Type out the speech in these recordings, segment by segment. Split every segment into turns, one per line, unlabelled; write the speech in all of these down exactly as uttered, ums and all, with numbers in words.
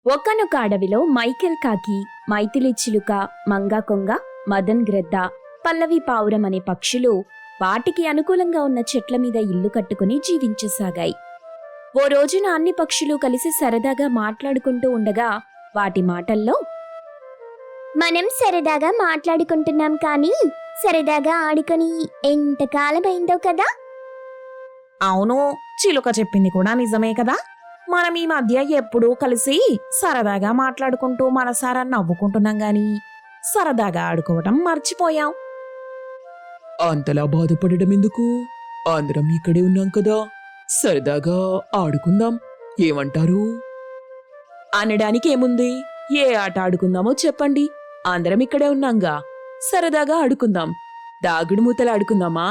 ఒక్కనొక అడవిలో మైకేల్ కాకి, మైథిలి చిలుక, మంగా కొంగ, మదన్ గ్రద్ద, పల్లవి పావురం అనే పక్షులు వాటికి అనుకూలంగా ఉన్న చెట్ల మీద ఇల్లు కట్టుకుని జీవించసాగాయి. ఓ రోజున అన్ని పక్షులు కలిసి సరదాగా మాట్లాడుకుంటూ ఉండగా వాటి మాటల్లో,
మనం సరదాగా మాట్లాడుకుంటున్నాం కానీ సరదాగా ఆడుకొని ఎంతకాలమైందో కదా.
అవును, చిలుక చెప్పింది కూడా నిజమే కదా. మనం ఈ మధ్య ఎప్పుడూ కలిసి సరదాగా మాట్లాడుకుంటూ మనసారా నవ్వుకుంటున్నాం గాని సరదాగా ఆడుకోవటం మర్చిపోయాం.
అంతలా బాధపడడం ఎందుకు? అందరం ఇక్కడే ఉన్నాం కదా, సరదాగా ఆడుకుందాం, ఏమంటారు?
అనడానికి ఏముంది? ఏ ఆట ఆడుకుందామో చెప్పండి, అందరం ఇక్కడే ఉన్నాంగా, సరదాగా ఆడుకుందాం. దాగుడు మూతలు ఆడుకుందామా?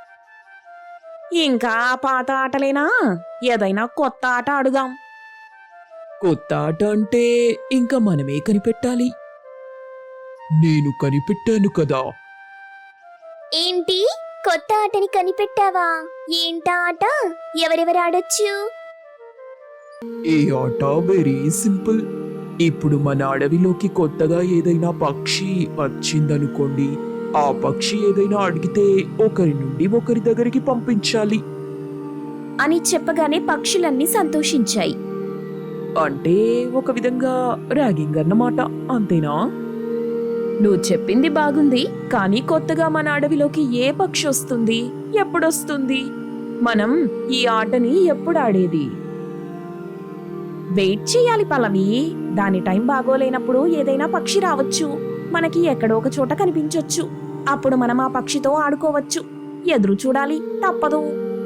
ఇంకా పాత ఆటలేనా? ఏదైనా కొత్త ఆట ఆడుదాం.
కొత్త ఆట అంటే ఇంకా మనమే కనిపెట్టాలి. నేను కనిపెట్టాను కదా.
ఏంటి, కొత్త ఆటని కనిపెట్టావా? ఏంటా ఆట? ఎవరెవరు ఆడొచ్చు?
ఈ ఆట వెరీ సింపుల్. ఇప్పుడు మన అడవిలోకి కొత్తగా ఏదైనా పక్షి వచ్చిందనుకోండి, ఆ పక్షి ఏదైనా అడిగితే ఒకరి నుండి ఒకరి దగ్గరికి పంపించాలి.
అని చెప్పగానే పక్షులన్నీ సంతోషించాయి.
అంటే ఒక విధంగా ర్యాగింగ్ అన్నమాట, అంతేనా? నువ్వు చెప్పింది బాగుంది, కానీ కొత్తగా మన అడవిలోకి ఏ పక్షి వస్తుంది, ఎప్పుడొస్తుంది? మనం ఈ ఆటని ఎప్పుడు ఆడేది? వెయిట్ చేయాలి పల్లవి. దాని టైం బాగోలేనప్పుడు ఏదైనా పక్షి రావచ్చు, మనకి ఎక్కడో ఒక చోట కనిపించొచ్చు. అప్పుడు మనం ఆ పక్షితో ఆడుకోవచ్చు. ఎదురు చూడాలి, తప్పదు.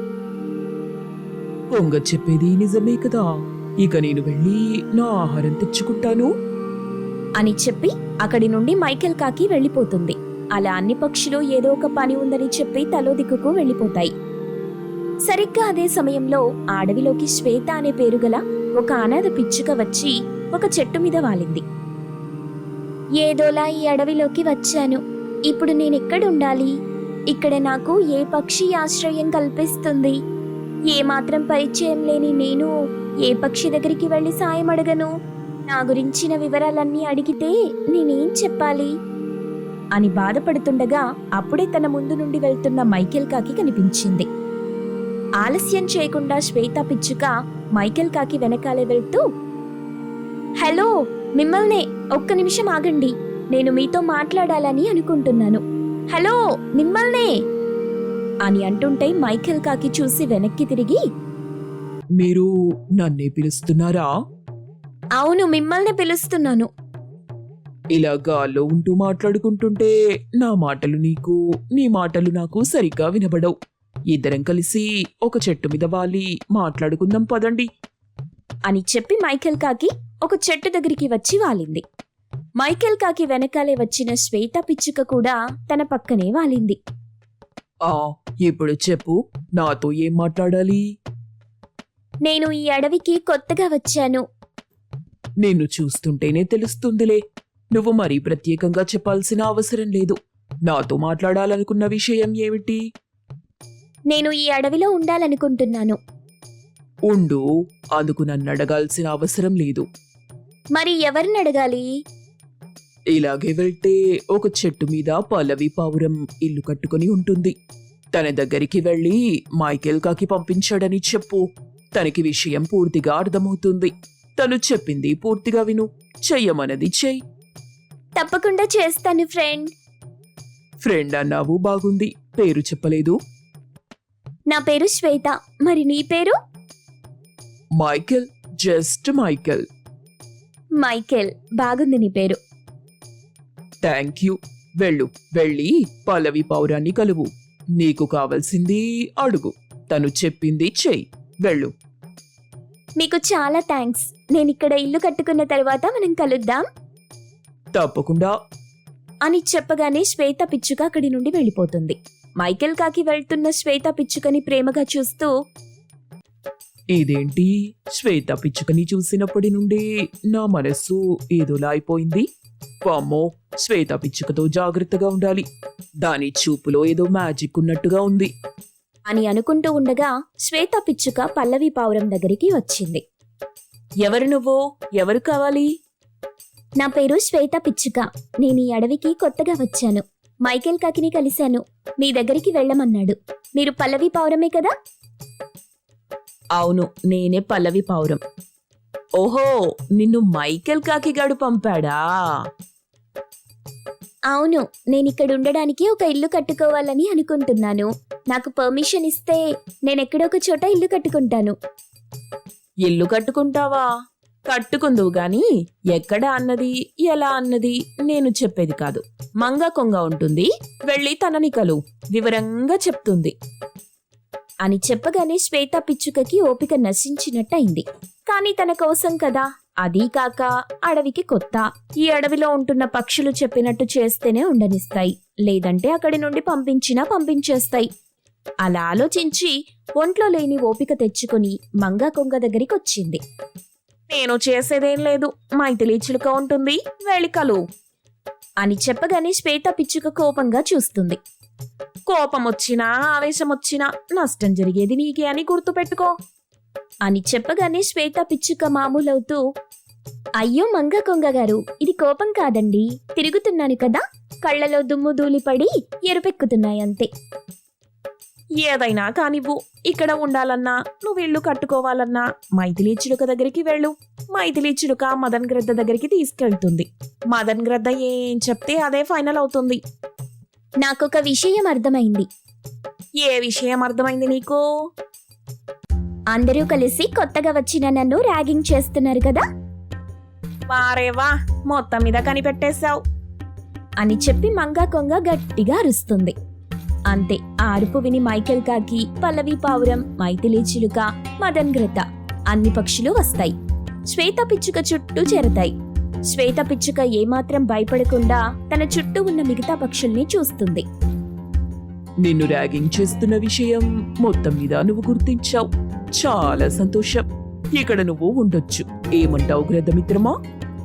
పొంగ చెప్పేది నిజమే కదా. ఇక నేను వెళ్ళి నా ఆహారం తెచ్చుకుంటాను
అని చెప్పి అక్కడి నుండి మైకేల్ కాకి వెళ్ళిపోతుంది. అలా అన్ని పక్షులు ఏదో ఒక పని ఉందని చెప్పి తలో దిక్కుకు వెళ్ళిపోతాయి. సరిగ్గా అదే సమయంలో అడవిలోకి శ్వేత అనే పేరుగల ఒక అనాథ పిచ్చుక వచ్చి ఒక చెట్టు మీద వాలింది.
ఏదోలా ఈ అడవిలోకి వచ్చాను. ఇప్పుడు నేనెక్కడుండాలి? ఇక్కడ నాకు ఏ పక్షి ఆశ్రయం కల్పిస్తుంది? ఏ మాత్రం పరిచయం లేని నేను ఏ పక్షి దగ్గరికి వెళ్ళి సాయం అడగను? నా గురించిన వివరాలన్నీ అడిగితే నేనేం చెప్పాలి
అని బాధపడుతుండగా అప్పుడే తన ముందు నుండి వెళ్తున్న మైకేల్ కాకి కనిపించింది. ఆలస్యం చేయకుండా శ్వేత పిచ్చుక మైకేల్ కాకి వెనకాలే వెళ్తూ,
హలో, మిమ్మల్నే. ఒక్క నిమిషం ఆగండి, నేను మీతో మాట్లాడాలని అనుకుంటున్నాను. హలో, మిమ్మల్నే
అని అంటుంటే మైకేల్ కాకి చూసి వెనక్కి తిరిగి,
మీరు నన్నే పిలుస్తున్నారా?
అవును, మిమ్మల్నే పిలుస్తున్నాను.
ఇలా గాల్లో ఉంటూ మాట్లాడుకుంటుంటే నా మాటలు నీకు, నీ మాటలు నాకు సరిగ్గా వినబడవు. ఇద్దరం కలిసి ఒక చెట్టు మీద వాలి మాట్లాడుకుందాం పదండి
అని చెప్పి మైకేల్ కాకి ఒక చెట్టు దగ్గరికి వచ్చి వాలింది. మైకేల్ కాకి వెనకాలే వచ్చిన శ్వేత పిచ్చుక కూడా తన పక్కనే వాలింది.
ఆ ఇప్పుడు చెప్పు, నాతో ఏం మాట్లాడాలి?
నేను ఈ అడవికి కొత్తగా వచ్చాను.
నిన్ను చూస్తుంటేనే తెలుస్తుందిలే. నువ్వు మరీ ప్రత్యేకంగా చెప్పాల్సిన అవసరం లేదు. నాతో మాట్లాడాలనుకున్న విషయం ఏమిటి?
నేను ఈ అడవిలో ఉండాలనుకుంటున్నాను.
ఉండు, అందుకు నన్ను అడగాల్సిన అవసరం లేదు.
మరి ఎవరిని అడగాలి?
ఇలాగే వెళ్తే ఒక చెట్టు మీద పల్లవి పావురం ఇల్లు కట్టుకుని ఉంటుంది. తన దగ్గరికి వెళ్ళి మైకేల్ కాకి పంపించాడని చెప్పు. తనకి విషయం పూర్తిగా అర్థమవుతుంది. తను చెప్పింది పూర్తిగా విను, చెయ్యమన్నది చెయ్యి.
తప్పకుండా చేస్తాను ఫ్రెండ్.
ఫ్రెండ్ అన్నావు, బాగుంది. పేరు చెప్పలేదు.
నా పేరు శ్వేత. మరి నీ పేరు?
Michael, just Michael.
మైకేల్, బాగుంది నీ పేరు.
Thank you. వెళ్ళు, వెళ్ళి పల్లవి పావురాన్ని కలువు. నీకు కావలసింది అడుగు, తను చెప్పింది చెయ్యి. వెళ్ళు.
మీకు చాలా థ్యాంక్స్. నేను ఇక్కడ ఇల్లు కట్టుకున్న తర్వాత మనం కలుద్దాం.
తప్పకుండా
అని చెప్పగానే శ్వేత పిచ్చుక అక్కడి నుండి వెళ్ళిపోతుంది. మైకేల్ కాకి వెళ్తున్న శ్వేత పిచ్చుకని ప్రేమగా చూస్తూ,
ఇదేంటి, శ్వేత పిచ్చుకని చూసినప్పటి నుండి నా మనస్సు ఏదోలా అయిపోయింది. వామ్మో, శ్వేత పిచ్చుకతో జాగ్రత్తగా ఉండాలి. దాని చూపులో ఏదో మ్యాజిక్ ఉన్నట్టుగా ఉంది
అని అనుకుంటూ ఉండగా శ్వేత పిచ్చుక పల్లవి పావురం దగ్గరికి వచ్చింది.
ఎవరు నువ్వు? ఎవరు కావాలి?
నా పేరు శ్వేత పిచ్చుక. నేను ఈ అడవికి కొత్తగా వచ్చాను. మైకేల్ కాకిని కలిశాను. మీ దగ్గరికి వెళ్ళమన్నాడు. మీరు పల్లవి పావురమే కదా?
అవును, నేనే పల్లవి పావురం. ఓహో, నిన్ను మైకేల్ కాకిగాడు పంపాడా?
అవును, నేను ఇక్కడ ఉండడానికి ఒక ఇల్లు కట్టుకోవాలని అనుకుంటున్నాను. నాకు పర్మిషన్ ఇస్తే నేనెక్కడొక చోట ఇల్లు కట్టుకుంటాను.
ఇల్లు కట్టుకుంటావా? కట్టుకుందువు గాని ఎక్కడ అన్నది ఎలా అన్నది నేను చెప్పేది కాదు. మంగ కొంగ ఉంటుంది, వెళ్ళి తనని కలు, వివరంగా చెప్తుంది
అని చెప్పగానే శ్వేత పిచ్చుకకి ఓపిక నశించినట్టయింది. కాని తన కోసం కదా, అదీ కాక అడవికి కొత్త. ఈ అడవిలో ఉంటున్న పక్షులు చెప్పినట్టు చేస్తేనే ఉండనిస్తాయి, లేదంటే అక్కడి నుండి పంపించినా పంపించేస్తాయి. అలా ఆలోచించి ఒంట్లో లేని ఓపిక తెచ్చుకుని మంగా కొంగ దగ్గరికి వచ్చింది.
నేను చేసేదేం లేదు, మైథిలి చిలుక ఉంటుంది, వెళ్ళి కలు
అని చెప్పగానే శ్వేత పిచ్చుక కోపంగా చూస్తుంది.
కోపం వచ్చినా ఆవేశం వచ్చినా నష్టం జరిగేది నీకే అని గుర్తుపెట్టుకో
అని చెప్పగానే శ్వేత పిచ్చుక మామూలవుతూ, అయ్యో మంగ కొంగ గారు, ఇది కోపం కాదండి, తిరుగుతున్నాను కదా, కళ్ళలో దుమ్ము ధూళిపడి ఎరుపెక్కుతున్నాయంతే.
ఏదైనా కానివ్వు, ఇక్కడ ఉండాలన్నా నువ్వు ఇల్లు కట్టుకోవాలన్నా మైథిలి చిలుక దగ్గరికి వెళ్ళు. మైథిలి చిలుక మదన్ గ్రద్ద దగ్గరికి తీసుకెళ్తుంది. మదన్ గ్రద్ద ఏం చెప్తే అదే ఫైనల్ అవుతుంది.
నాకొక విషయం అర్థమైంది.
ఏ విషయం అర్థమైంది నీకు?
అందరూ కలిసి కొత్తగా వచ్చిన నన్ను ర్యాగింగ్ చేస్తున్నారు కదా
వారేవా, మొత్తం మీద కనిపెట్టేశావు
అని చెప్పి మంగా కొంగ గట్టిగా అరుస్తుంది. అంతే, ఆ అరుపు విని మైకేల్ కాకి, పల్లవి పావురం, మైథిలి చిలుక, మదన్ గ్రద్ద అన్ని పక్షులు వస్తాయి. శ్వేత పిచ్చుక చుట్టూ చేరతాయి. శ్వేత పిచ్చుక ఏమాత్రం భయపడకుండా తన చుట్టూ ఉన్న మిగతా పక్షుల్ని చూస్తుంది.
నిన్ను ర్యాగింగ్ చేస్తున్న విషయం మొత్తం మీద నువ్వు గుర్తించావు. చాలా సంతోషం. ఇక్కడ నువ్వు ఉండొచ్చు. ఏమంటావు గ్రద్దమిత్రమా?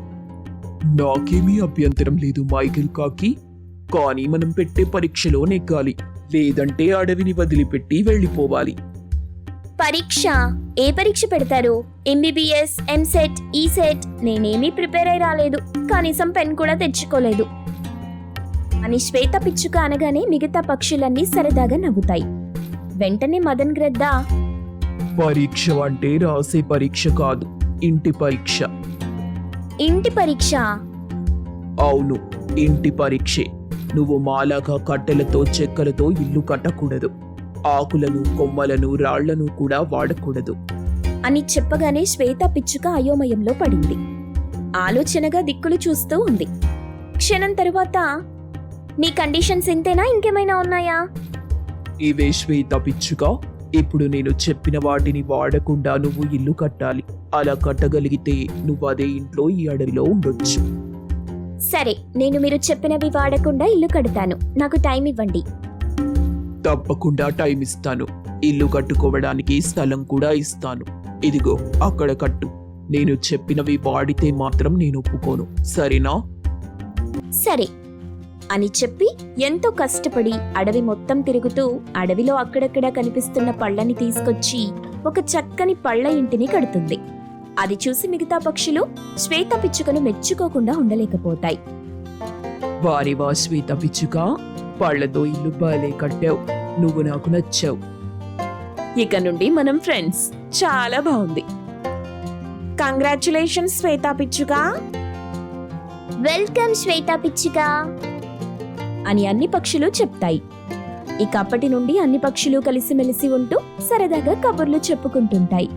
నాకేమీ అభ్యంతరం లేదు మైకేల్ కాకి, కానీ మనం పెట్టే పరీక్షలో నెగ్గాలి, లేదంటే అడవిని వదిలిపెట్టి వెళ్ళిపోవాలి.
పరీక్ష? ఏ పరీక్ష పెడతారు? MBBS, EAMCET, ECET? నేనేమీ ప్రిపేర్ అయి రాలేదు, కనీసం పెన్ కూడా తెచ్చుకోలేదు అని శ్వేత పిచ్చుక అనగానే మిగతా పక్షులన్నీ సరదాగా నవ్వుతాయి. వెంటనే మదన్ గ్రద్ద,
పరీక్ష అంటే రాసే పరీక్ష కాదు, ఇంటి పరీక్ష.
ఇంటి పరీక్ష?
అవును, ఇంటి పరీక్షే. నువ్వు మాలాగా కట్టెలతో చెక్కలతో ఇల్లు కట్టకూడదు. ఆకులను, కొమ్మలను, రాళ్లను కూడా వాడకూడదు
అని చెప్పగానే శ్వేత పిచ్చుక అయోమయంలో పడింది. ఆలోచనగా దిక్కులు చూస్తూ ఉంది. క్షణం తరువాత, నీ కండిషన్స్ ఇంతేనా, ఇంకేమైనా ఉన్నాయా?
ఇవే శ్వేత పిచ్చుక. ఇప్పుడు నేను చెప్పిన వాటిని వాడకుండా నువ్వు ఇల్లు కట్టాలి. అలా కట్టగలిగితే నువ్వు అదే ఇంట్లో ఈ అడవిలో ఉండొచ్చు.
సరే, నేను మీరు చెప్పినవి వాడకుండా ఇల్లు కడతాను. నాకు టైం ఇవ్వండి.
తప్పకుండా టైం ఇస్తాను. ఇల్లు కట్టుకోవడానికి స్థలం కూడా ఇస్తాను. ఇదిగో అక్కడ కట్టు. నేను చెప్పినవి వాడితే మాత్రం నేను ఒప్పుకోను, సరేనా?
సరే అని చెప్పి ఎంతో కష్టపడి అడవి మొత్తం తిరుగుతూ అడవిలో అక్కడక్కడ కనిపిస్తున్న పళ్ళని తీసుకొచ్చి ఒక చక్కని పళ్ళ ఇంటిని కడుతుంది. అది చూసి మిగతా పక్షులు శ్వేత పిచ్చుకను మెచ్చుకోకుండా ఉండలేకపోతాయి.
వారి వా శ్వేత పిచ్చుక, పళ్లతో ఇల్లు బాలే కట్టావు. నువ్వు నాకు నచ్చావు.
ఇక నుండి మనం ఫ్రెండ్స్. చాలా బాగుంది. కంగ్రాచులేషన్స్ శ్వేత పిచ్చుక.
వెల్కమ్ శ్వేత పిచ్చుక అని అన్ని పక్షులు చెప్తాయి. ఇక అప్పటి నుండి అన్ని పక్షులు కలిసిమెలిసి ఉంటూ సరదాగా కబుర్లు చెప్పుకుంటుంటాయి.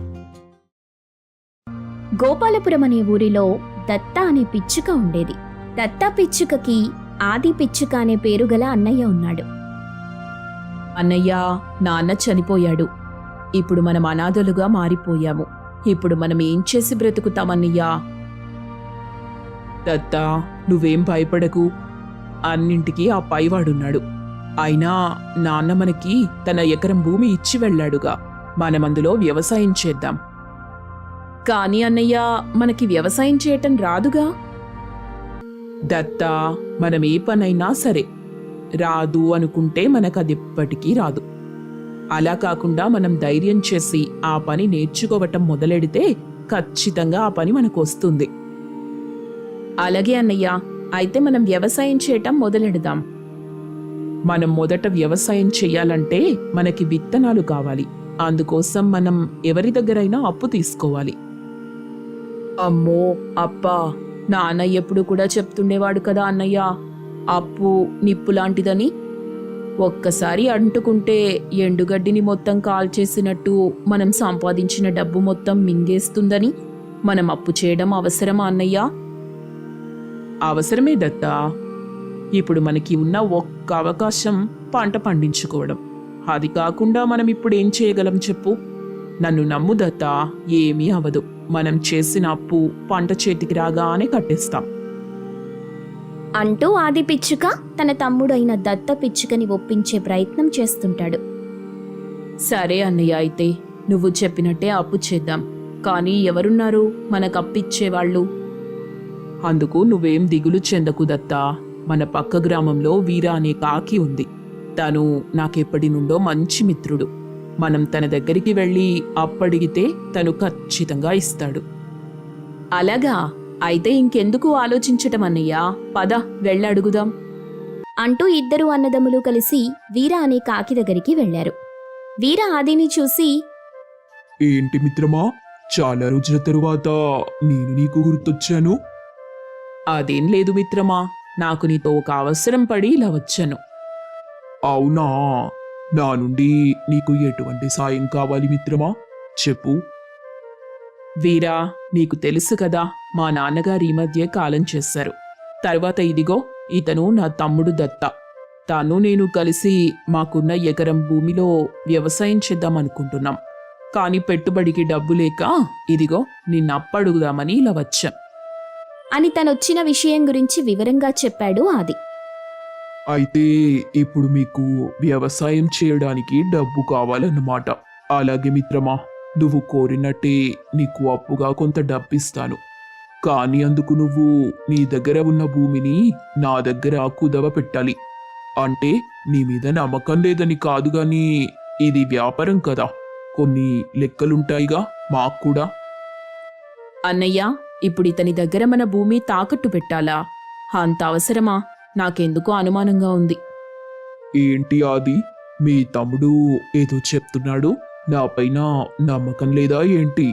గోపాలపురం అనే ఊరిలో దత్త అనే పిచ్చుక ఉండేది. దత్తా పిచ్చుకకి ఆది పిచ్చుక అనే పేరు గల అన్నయ్య ఉన్నాడు.
అన్నయ్య, నాన్న చనిపోయాడు. ఇప్పుడు మనం అనాథలుగా మారిపోయాము. ఇప్పుడు మనం ఏం చేసి బ్రతుకుతామన్నయ్యా?
దత్తా, నువ్వేం భయపడకు. అన్నింటికీ ఆ పైవాడున్నాడు. అయినా నాన్న మనకి తన ఎకరం భూమి ఇచ్చి వెళ్ళాడుగా. మనమందులో వ్యవసాయం చేద్దాం.
కానీ అన్నయ్య, మనకి వ్యవసాయం చేయటం రాదుగా.
దత్తా, మనం ఏ పనైనా సరే రాదు అనుకుంటే మనకు అది ఎప్పటికీ రాదు. అలా కాకుండా మనం ధైర్యం చేసి ఆ పని నేర్చుకోవటం మొదలెడితే ఖచ్చితంగా ఆ పని మనకు వస్తుంది.
అలాగే అన్నయ్య, అయితే మనం వ్యవసాయం చేయటం మొదలెడదాం.
మనం మొదట వ్యవసాయం చెయ్యాలంటే మనకి విత్తనాలు కావాలి. అందుకోసం మనం ఎవరి దగ్గరైనా అప్పు తీసుకోవాలి.
అమ్మో అప్పా, నాన్న ఎప్పుడు కూడా చెప్తుండేవాడు కదా అన్నయ్య, అప్పు నిప్పు లాంటిదని. ఒక్కసారి అంటుకుంటే ఎండుగడ్డిని మొత్తం కాల్చేసినట్టు మనం సంపాదించిన డబ్బు మొత్తం మింగేస్తుందని. మనం అప్పు చేయడం అవసరమా అన్నయ్య?
అవసరమే దత్తా. ఇప్పుడు మనకి ఉన్న ఒక్క అవకాశం పంట పండించుకోవడం. అది కాకుండా మనం ఇప్పుడు ఏం చేయగలం చెప్పు? నన్ను నమ్ము దత్తా, ఏమీ అవదు. మనం చేసిన అప్పు పంట చేతికి రాగానే కట్టేస్తాం.
అంటూ ఆది పిచ్చుక తన తమ్ముడైన దత్త పిచ్చుకని ఒప్పించే ప్రయత్నం చేస్తుంటాడు.
సరే అన్నయ్య, అయితే నువ్వు చెప్పినట్టే అప్పు చేద్దాం. కానీ ఎవరున్నారు మనకు అప్పిచ్చేవాళ్ళు?
అందుకు నువ్వేం దిగులు చెందకు దత్తా. మన పక్క గ్రామంలో వీర అనే కాకి ఉంది. తను నాకెప్పటి నుండో మంచి మిత్రుడు. మనం తన దగ్గరికి వెళ్ళి అప్పడిగితే తను ఖచ్చితంగా ఇస్తాడు.
అలాగా? అయితే ఇంకెందుకు ఆలోచించటం అన్నయ్య, పద వెళ్ళడుగుదాం.
అంటూ ఇద్దరు అన్నదమ్ములు కలిసి వీర అనే కాకి దగ్గరికి వెళ్లారు. వీర ఆదిని చూసి,
ఏంటి మిత్రమా, చాలా రోజుల తరువాత నేను నీకు గుర్తొచ్చాను.
అదేం లేదు మిత్రమా, నాకు నీతో ఒక అవసరం పడి ఇలా వచ్చాను.
అవునా, నా నుండి నీకు ఎటువంటి సాయం కావాలి మిత్రమా, చెప్పు.
వీరా, నీకు తెలుసు కదా, మా నాన్నగారు ఈ మధ్య కాలం చేశారు. తర్వాత ఇదిగో ఇతను నా తమ్ముడు దత్త. తాను నేను కలిసి మాకున్న ఎకరం భూమిలో వ్యవసాయం చేద్దామనుకుంటున్నాం. కానీ పెట్టుబడికి డబ్బు లేక ఇదిగో నిన్న అప్పడుగుదామని ఇలా వచ్చాం
అని తనొచ్చిన విషయం గురించి వివరంగా చెప్పాడు ఆది.
అయితే ఇప్పుడు మీకు వ్యవసాయం చేయడానికి డబ్బు కావాలన్నమాట. అలాగే మిత్రమా, నువ్వు కోరినట్టే నీకు అప్పుగా కొంత డబ్బిస్తాను. కానీ అందుకు నువ్వు నీ దగ్గర ఉన్న భూమిని నా దగ్గర కుదవ పెట్టాలి. అంటే నీ మీద నమ్మకం లేదని కాదు గాని ఇది వ్యాపారం కదా, కొన్ని లెక్కలుంటాయిగా మాకు కూడా.
అన్నయ్య, ఇప్పుడు ఇతని దగ్గర మన భూమి తాకట్టు పెట్టాలా? అంత అవసరమా? నాకెందుకో అనుమానంగా ఉంది.
ఏంటి ఆది, మీ తమ్ముడు ఏదో చెప్తున్నాడు, నా పైన నమ్మకం లేదా ఏంటి?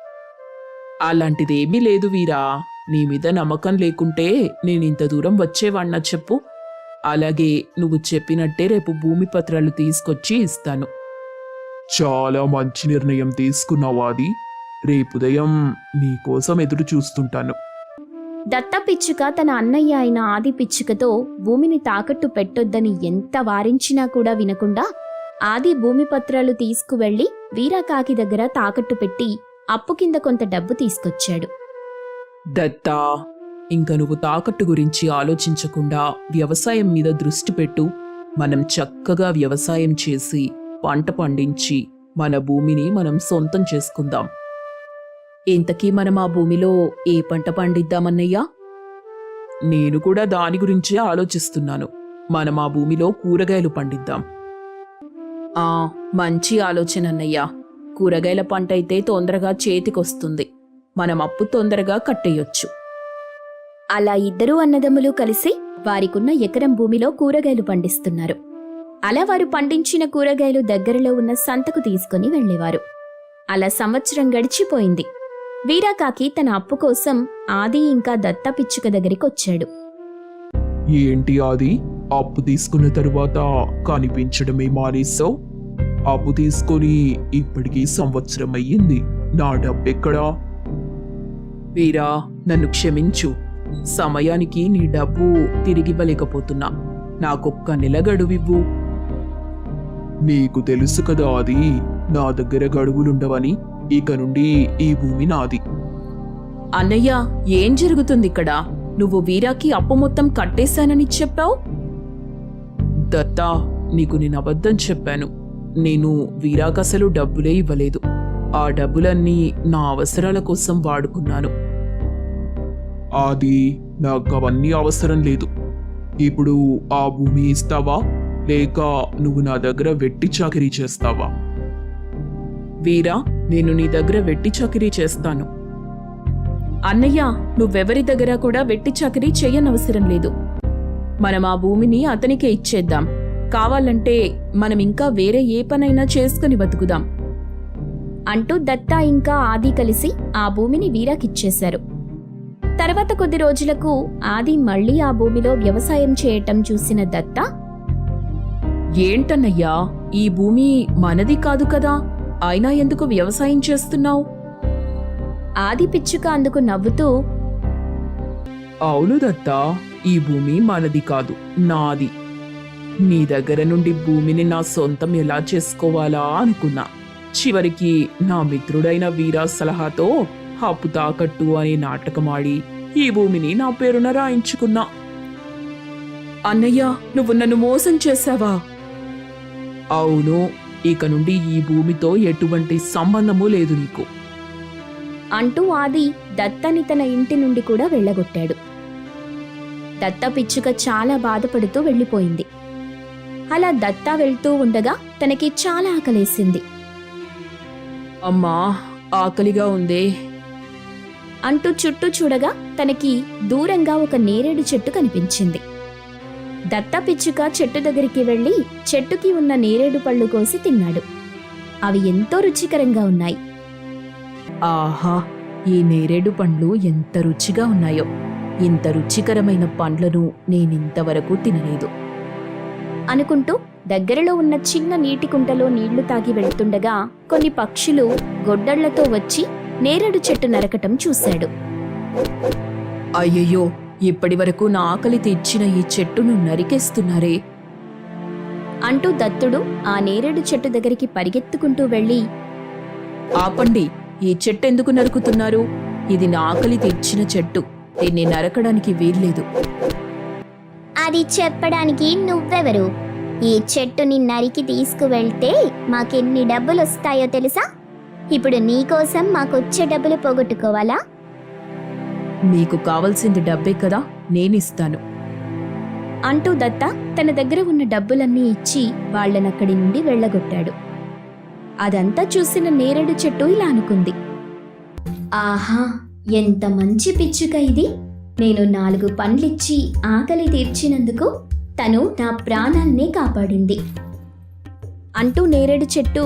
అలాంటిదేమీ లేదు వీరా. నీ మీద నమ్మకం లేకుంటే నేనింత దూరం వచ్చేవాణ్ణా చెప్పు? అలాగే నువ్వు చెప్పినట్టే రేపు భూమి పత్రాలు తీసుకొచ్చి ఇస్తాను.
చాలా మంచి నిర్ణయం తీసుకున్నావు ఆది. రేపు ఉదయం నీకోసం ఎదురు చూస్తుంటాను.
దత్త పిచ్చుక తన అన్నయ్య అయిన ఆది పిచ్చుకతో భూమిని తాకట్టు పెట్టొద్దని ఎంత వారించినా కూడా వినకుండా ఆది భూమి పత్రాలు తీసుకువెళ్లి వీరాకాకి దగ్గర తాకట్టు పెట్టి అప్పు కింద కొంత డబ్బు తీసుకొచ్చాడు.
దత్తా, ఇంక నువ్వు తాకట్టు గురించి ఆలోచించకుండా వ్యవసాయం మీద దృష్టి పెట్టు. మనం చక్కగా వ్యవసాయం చేసి పంట పండించి మన భూమిని మనం సొంతం చేసుకుందాం.
ఇంతకీ మనం ఆ భూమిలో ఏ పంట పండిద్దామన్నయ్యా?
నేను కూడా దాని గురించే ఆలోచిస్తున్నాను. మనం ఆ భూమిలో కూరగాయలు పండిద్దాం.
ఆ మంచి ఆలోచన అన్నయ్యా. కూరగాయల పంట అయితే తొందరగా చేతికొస్తుంది. మనం అప్పు తొందరగా కట్టేయొచ్చు.
అలా ఇద్దరూ అన్నదమ్ములు కలిసి వారికున్న ఎకరం భూమిలో కూరగాయలు పండిస్తున్నారు. అలా వారు పండించిన కూరగాయలు దగ్గరలో ఉన్న సంతకు తీసుకుని వెళ్లేవారు. అలా సంవత్సరం గడిచిపోయింది. వీరాకాకి తన అప్పు కోసం ఆది ఇంకా దత్త పిచ్చుక దగ్గరికొచ్చాడు.
ఏంటి ఆది, అప్పు తీసుకున్న తరువాత కనిపించడమే మానేశావు? అప్పు తీసుకొని ఇప్పటికీ సంవత్సరం అయ్యింది. నా డబ్బెక్కడా?
వీరా, నన్ను క్షమించు. సమయానికి నీ డబ్బు తిరిగివ్వలేకపోతున్నా. నాకొక్క నెల గడువివ్వు.
నీకు తెలుసు కదా ఆది, నా దగ్గర గడువులుండవని. ఇక నుండి ఈ భూమి నాది.
అన్నయ్య, ఏం జరుగుతుంది ఇక్కడ? నువ్వు వీరాకి అప్పు మొత్తం కట్టేశానని చెప్పావు.
దత్తా, నీకు నేను అబద్ధం చెప్పాను. నేను వీరాకసలు డబ్బులే ఇవ్వలేదు. ఆ డబ్బులన్నీ నా అవసరాల కోసం వాడుకున్నాను.
ఆది, నాకు అవన్నీ అవసరం లేదు. ఇప్పుడు ఆ భూమి ఇస్తావా, లేక నువ్వు నా దగ్గర వెట్టి చాకిరీ చేస్తావా?
వీరా, నేను నీ దగ్గర వెట్టి చాకిరీ చేస్తాను.
అన్నయ్య, నువ్వెవరి దగ్గర కూడా వెట్టి చాకరీ చెయ్యనవసరం లేదు. మనం ఆ భూమిని అతనికే ఇచ్చేద్దాం. కావాలంటే మనం ఇంకా వేరే ఏ పనైనా చేసుకుని బతుకుదాం
అంటూ దత్త ఇంకా ఆది కలిసి ఆ భూమిని వీరాకిచ్చేశారు. తర్వాత కొద్ది రోజులకు ఆది మళ్లీ ఆ భూమిలో వ్యవసాయం చేయటం చూసిన దత్త,
ఏంటన్నయ్యా, ఈ భూమి మనది కాదు కదా, అయినా ఎందుకు వ్యవసాయం చేస్తున్నావు?
ఆది పిచ్చుక అందుకు నవ్వుతూ,
అవును దత్తా, ఈ భూమి మనది కాదు, నాది. నీ దగ్గర నుండి భూమిని నా సొంతం ఎలా చేసుకోవాలా అనుకున్నా. చివరికి నా మిత్రుడైన వీరా సలహాతో అప్పు తాకట్టు అనే నాటకమాడి ఈ భూమిని నా పేరున రాయించుకున్నా.
అన్నయ్య, నువ్వు నన్ను మోసం చేశావా?
అవును, ఇక నుండి ఈ భూమితో ఎటువంటి సంబంధము లేదు నీకు
అంటూ ఆది దత్తని తన ఇంటి నుండి కూడా వెళ్ళగొట్టాడు. దత్త పిచ్చుక చాలా బాధపడుతూ వెళ్ళిపోయింది. అలా దత్త వెళ్తూ ఉండగా తనకి చాలా ఆకలేసింది.
అమ్మా, ఆకలిగా ఉందే
అంటూ చుట్టూ చూడగా తనకి దూరంగా ఒక నేరేడు చెట్టు కనిపించింది. దత్త పిచ్చుక చెట్టు దగ్గరికి వెళ్లి చెట్టుకి ఉన్న నేరేడు పళ్ళు కోసి తిన్నాడు. అవి ఎంతో రుచికరంగా ఉన్నాయి.
ఆహా, ఈ నేరేడు పండ్లు ఎంత రుచిగా ఉన్నాయో! ఇంత రుచికరమైన పండ్లను నేనింతవరకు తినలేదు
అనుకుంటూ దగ్గరలో ఉన్న చిన్న నీటి కుంటలో నీళ్లు తాగి వెళ్తుండగా కొన్ని పక్షులు గొడ్డళ్లతో వచ్చి నేరేడు చెట్టు నరకటం చూశాడు.
అయ్యయ్యో, ఇప్పటివరకు నా ఆకలి తీర్చిన ఈ చెట్టును నరికేస్తున్నారే
అంటూ దత్తుడు ఆ నేరేడు చెట్టు దగ్గరికి పరిగెత్తుకుంటూ వెళ్లి,
ఆపండి, ఈ చెట్టు ఎందుకు నరుకుతున్నారు? ఇది నా ఆకలి తీర్చిన చెట్టు, దీన్ని నరకడానికి వీల్లేదు.
అది చెప్పడానికి నువ్వెవరు? ఈ చెట్టుని నరికి తీసుకువెళ్తే మాకెన్ని డబ్బులు వస్తాయో తెలుసా? ఇప్పుడు నీకోసం మాకొచ్చే డబ్బులు పోగొట్టుకోవాలా?
మీకు కావలసింది డబ్బే కదా, నేనిస్తాను
అంటూ దత్త తన దగ్గర ఉన్న డబ్బులన్నీ ఇచ్చి వాళ్లనక్కడి నుండి వెళ్ళగొట్టాడు. అదంతా చూసిన నేరేడు చెట్టు ఇలా అనుకుంది, ఆహా, ఎంత మంచి పిచ్చుక ఇది! నేను నాలుగు పండ్లిచ్చి ఆకలి తీర్చినందుకు తను నా ప్రాణాల్నే కాపాడింది అంటూ నేరేడు చెట్టు,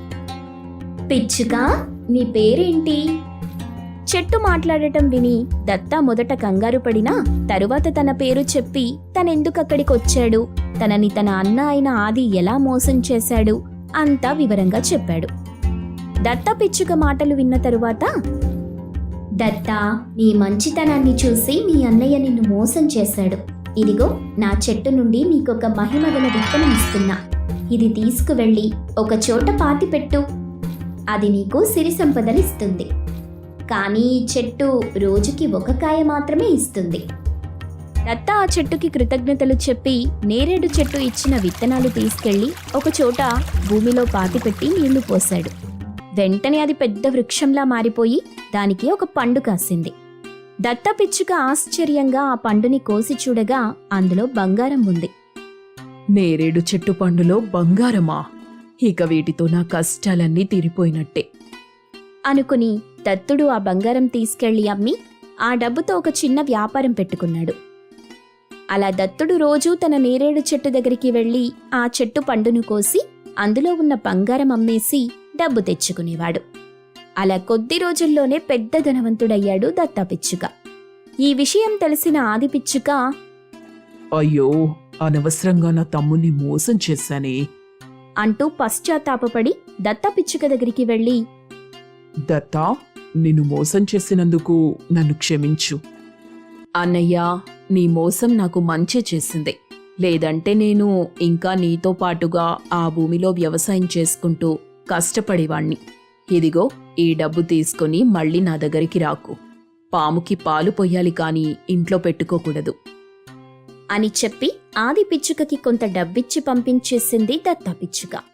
పిచ్చుక, నీ పేరేంటి? చెట్టు మాట్లాడటం విని దత్త మొదట కంగారు పడినా తరువాత తన పేరు చెప్పి తనెందుకక్కడికొచ్చాడు, తనని తన అన్న అయిన ఆది ఎలా మోసం చేశాడు అంతా వివరంగా చెప్పాడు. దత్త పిచ్చుక మాటలు విన్న తరువాత, దత్తా, నీ మంచితనాన్ని చూసి మీ అన్నయ్య నిన్ను మోసం చేశాడు. ఇదిగో నా చెట్టు నుండి నీకొక మహిమగల విత్తనం ఇస్తున్నా. ఇది తీసుకువెళ్ళి ఒక చోట పాతిపెట్టు. అది నీకు సిరి సంపదలిస్తుంది. కానీ ఈ చెట్టు రోజుకి ఒక కాయ మాత్రమే ఇస్తుంది. దత్త ఆ చెట్టుకి కృతజ్ఞతలు చెప్పి నేరేడు చెట్టు ఇచ్చిన విత్తనాలు తీసుకెళ్లి ఒకచోట భూమిలో పాతిపెట్టి నీళ్లు పోశాడు. వెంటనే అది పెద్ద వృక్షంలా మారిపోయి దానికి ఒక పండు కాసింది. దత్త పిచ్చుక ఆశ్చర్యంగా ఆ పండుని కోసి చూడగా అందులో బంగారం ఉంది.
నేరేడు చెట్టు పండులో బంగారమా? ఇక వీటితో నా కష్టాలన్నీ తీరిపోయినట్టే
అనుకుని దత్తుడు ఆ బంగారం తీసుకెళ్లి అమ్మి ఆ డబ్బుతో ఒక చిన్న వ్యాపారం పెట్టుకున్నాడు. అలా దత్తుడు రోజూ తన నేరేడు చెట్టు దగ్గరికి వెళ్లి ఆ చెట్టు పండును కోసి అందులో ఉన్న బంగారం అమ్మేసి డబ్బు తెచ్చుకునేవాడు. అలా కొద్ది రోజుల్లోనే పెద్ద ధనవంతుడయ్యాడు దత్త పిచ్చుక. ఈ విషయం తెలిసిన ఆది పిచ్చుక,
అయ్యో, అనవసరంగా నా తమ్ముణ్ణి మోసం చేశానే
అంటూ పశ్చాత్తాపపడి దత్త పిచ్చుక దగ్గరికి వెళ్లి,
దత్తా, నిన్ను మోసం చేసినందుకు నన్ను క్షమించు.
అన్నయ్యా, నీ మోసం నాకు మంచి చేసింది. లేదంటే నేను ఇంకా నీతో పాటుగా ఆ భూమిలో వ్యవసాయం చేసుకుంటూ కష్టపడేవాణ్ణి. ఇదిగో ఈ డబ్బు తీసుకుని మళ్ళీ నా దగ్గరికి రాకు. పాముకి పాలు పొయ్యాలి కాని ఇంట్లో పెట్టుకోకూడదు
అని చెప్పి ఆది పిచ్చుకకి కొంత డబ్బిచ్చి పంపించేసింది దత్త పిచ్చుక.